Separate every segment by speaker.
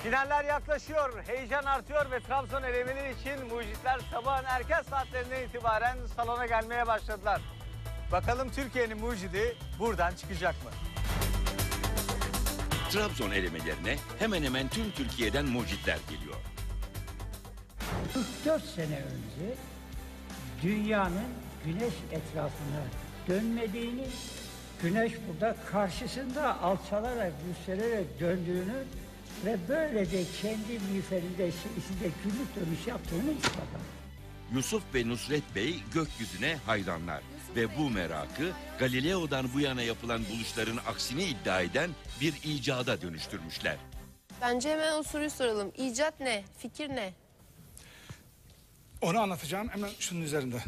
Speaker 1: Finaller yaklaşıyor, heyecan artıyor ve Trabzon elemeleri için mucitler sabahın erken saatlerinden itibaren salona gelmeye başladılar. Bakalım Türkiye'nin mucidi buradan çıkacak mı?
Speaker 2: Trabzon elemelerine hemen hemen tüm Türkiye'den mucitler geliyor.
Speaker 3: 44 sene önce dünyanın güneş etrafına dönmediğini, güneş burada karşısında alçalarak, yükselerek döndüğünü ve böylece kendi miğferinde içinde günlük dönüş yaptığını ispatladı.
Speaker 2: Yusuf ve Nusret Bey gökyüzüne hayranlar ve bu merakı Galileo'dan bu yana yapılan buluşların aksini iddia eden bir icada dönüştürmüşler.
Speaker 4: Bence hemen o soruyu soralım. İcat ne? Fikir ne?
Speaker 5: Onu anlatacağım hemen şunun üzerinde.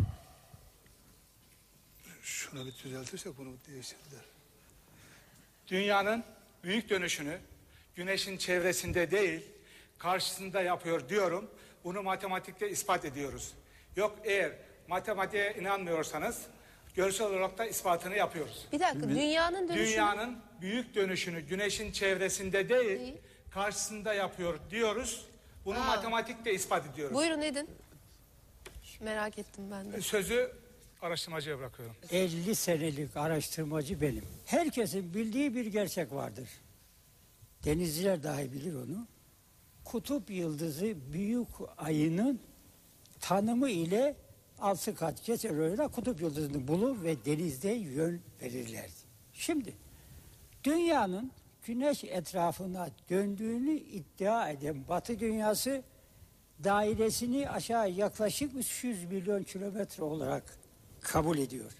Speaker 5: Şunu bir düzeltirsek bunu değiştirdiler. Dünyanın büyük dönüşünü güneşin çevresinde değil karşısında yapıyor diyorum. Bunu matematikte ispat ediyoruz. Yok eğer matematiğe inanmıyorsanız görsel olarak da ispatını yapıyoruz.
Speaker 4: Bir dakika, dünyanın dönüşü...
Speaker 5: Dünyanın büyük dönüşünü güneşin çevresinde değil karşısında yapıyor diyoruz. Bunu matematikte ispat ediyoruz.
Speaker 4: Buyurun edin. Merak ettim ben de.
Speaker 5: Sözü araştırmacıya bırakıyorum.
Speaker 3: 50 senelik araştırmacı benim. Herkesin bildiği bir gerçek vardır. Denizciler dahi bilir onu. Kutup yıldızı büyük ayının tanımı ile 6 kat geçer öyle kutup yıldızını bulur ve denizde yön verirlerdi. Şimdi dünyanın güneş etrafına döndüğünü iddia eden Batı dünyası dairesini aşağı yaklaşık 300 milyon kilometre olarak kabul ediyor.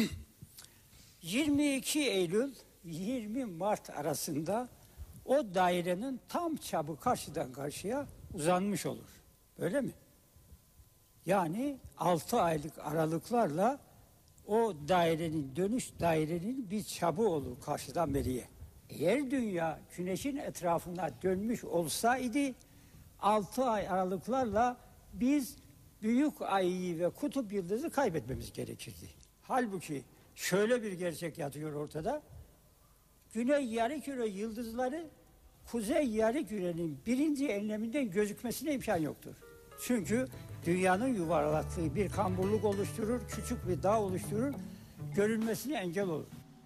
Speaker 3: 22 Eylül 20 Mart arasında o dairenin tam çapı karşıdan karşıya uzanmış olur. Öyle mi? Yani 6 aylık aralıklarla o dairenin bir çapı olur karşıdan beriye. Eğer dünya güneşin etrafına dönmüş olsaydı 6 ay aralıklarla biz büyük ayı ve kutup yıldızı kaybetmemiz gerekirdi. Halbuki şöyle bir gerçek yatıyor ortada. Güney yarımküre yıldızları kuzey yarımkürenin birinci enleminden gözükmesine imkan yoktur. Çünkü dünyanın yuvarlattığı bir kamburluk oluşturur, küçük bir dağ oluşturur, görünmesine engel olur.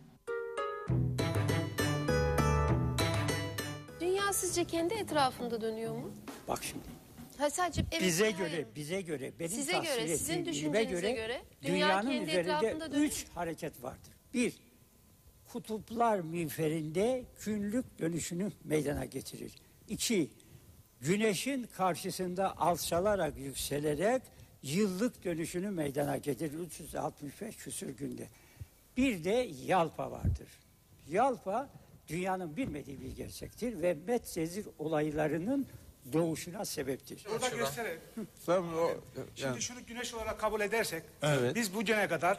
Speaker 4: Dünya sizce kendi etrafında dönüyor mu?
Speaker 3: Bak şimdi.
Speaker 4: Ha, sadece evet,
Speaker 3: Bize göre, benim
Speaker 4: size
Speaker 3: tahsil
Speaker 4: göre,
Speaker 3: ettiğim
Speaker 4: sizin
Speaker 3: bilime
Speaker 4: düşüncenize göre dünya
Speaker 3: dünyanın
Speaker 4: kendi
Speaker 3: üzerinde
Speaker 4: etrafında dönüyor.
Speaker 3: 3 hareket vardır. 1. Kutuplar miğferinde günlük dönüşünü meydana getirir. 2. Güneşin karşısında alçalarak yükselerek yıllık dönüşünü meydana getirir 365 küsür günde. Bir de yalpa vardır. Yalpa dünyanın bilmediği bir gerçektir ve Medcezir olaylarının doğuşuna sebeptir.
Speaker 5: Burada gösterelim. Şimdi
Speaker 6: Yani,
Speaker 5: şunu güneş olarak kabul edersek
Speaker 6: Evet.
Speaker 5: biz bugüne kadar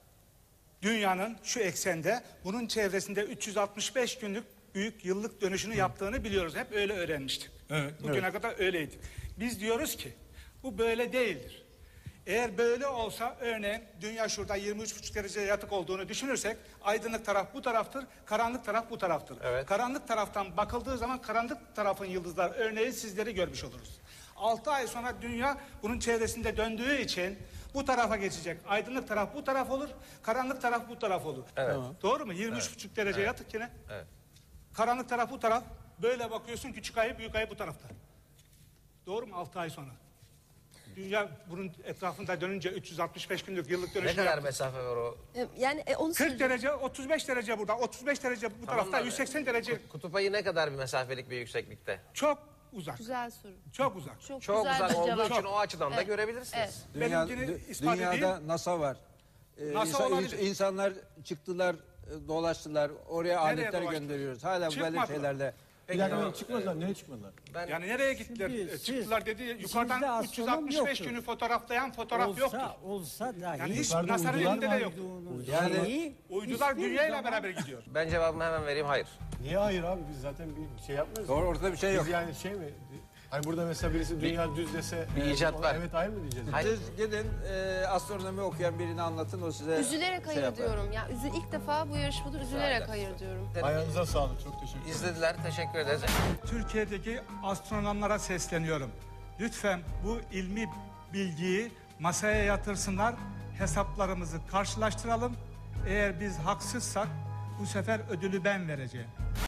Speaker 5: dünyanın şu eksende bunun çevresinde 365 günlük büyük yıllık dönüşünü yaptığını biliyoruz. Hep öyle öğrenmiştik.
Speaker 6: Evet,
Speaker 5: Bugüne kadar öyleydi. Biz diyoruz ki bu böyle değildir. Eğer böyle olsa örneğin dünya şurada 23,5 derece yatık olduğunu düşünürsek aydınlık taraf bu taraftır, karanlık taraf bu taraftır.
Speaker 1: Evet.
Speaker 5: Karanlık taraftan bakıldığı zaman karanlık tarafın yıldızlar örneğin sizleri görmüş oluruz. 6 ay sonra dünya bunun çevresinde döndüğü için bu tarafa geçecek. Aydınlık taraf bu taraf olur, karanlık taraf bu taraf olur.
Speaker 1: Evet.
Speaker 5: Doğru mu? 23,5 derece yatık yine.
Speaker 1: Evet.
Speaker 5: Karanlık taraf bu taraf. Böyle bakıyorsun küçük ayı büyük ayı bu tarafta. Doğru mu? 6 ay sonra. Dünya bunun etrafında dönünce 365 günlük yıllık
Speaker 7: Ne
Speaker 5: dönüşüm
Speaker 7: kadar
Speaker 5: yaptı.
Speaker 7: mesafe var o?
Speaker 4: Yani onu
Speaker 5: 40 derece, 35 derece burada, 35 derece bu tarafta,
Speaker 7: da-
Speaker 5: 180 derece.
Speaker 7: Kutup ayı ne kadar bir mesafelik bir yükseklikte?
Speaker 5: Çok uzak.
Speaker 4: güzel soru.
Speaker 5: Çok uzak.
Speaker 4: Çok
Speaker 7: Çok
Speaker 4: güzel
Speaker 7: uzak
Speaker 4: bir
Speaker 7: olduğu
Speaker 4: cevap.
Speaker 7: için o açıdan da görebilirsiniz.
Speaker 4: Evet.
Speaker 5: Benimkini ispat
Speaker 6: dünyada
Speaker 5: edeyim.
Speaker 6: NASA var.
Speaker 5: NASA olabilir.
Speaker 6: İnsanlar çıktılar, dolaştılar. Oraya aletler
Speaker 5: dolaştılar?
Speaker 6: gönderiyoruz. Hala böyle
Speaker 5: Çıkmadılar.
Speaker 6: şeylerle.
Speaker 7: Peki, o-
Speaker 8: Çıkmadılar, nereye çıkmadılar?
Speaker 5: Yani nereye gittiler?
Speaker 3: Şimdi siz-
Speaker 5: Çıktılar dedi.
Speaker 3: içinizde
Speaker 5: Yukarıdan
Speaker 3: astronom
Speaker 5: 365
Speaker 3: yoktur.
Speaker 5: günü fotoğraflayan fotoğraf yoktur.
Speaker 3: Olsa dahi
Speaker 5: Yani hiç
Speaker 8: Yukarıda
Speaker 5: NASA'nın
Speaker 8: uydular
Speaker 5: elinde de
Speaker 8: var.
Speaker 5: yok.
Speaker 3: Yani
Speaker 5: Uydular dünyayla beraber gidiyor.
Speaker 7: Ben cevabımı hemen vereyim, hayır.
Speaker 8: Niye hayır abi, biz zaten bir şey yapmıyoruz.
Speaker 6: Ortada bir şey yok.
Speaker 8: Biz yani şey mi? Hani burada mesela birisi dünya düz dese
Speaker 7: bir icat
Speaker 8: ona
Speaker 7: var.
Speaker 8: evet hayır mı diyeceğiz?
Speaker 7: Hayır.
Speaker 6: Siz gidin astronomi okuyan birini anlatın, o size
Speaker 4: Üzülerek hayır
Speaker 6: yapar.
Speaker 4: diyorum. Ya ilk defa bu yarışmada üzülerek hayır diyorum.
Speaker 8: Ayağınıza sağlık. Çok teşekkür ederim.
Speaker 7: İzlediler, teşekkür ederiz.
Speaker 5: Türkiye'deki astronomlara sesleniyorum. Lütfen bu ilmi bilgiyi masaya yatırsınlar, hesaplarımızı karşılaştıralım. Eğer biz haksızsak bu sefer ödülü ben vereceğim.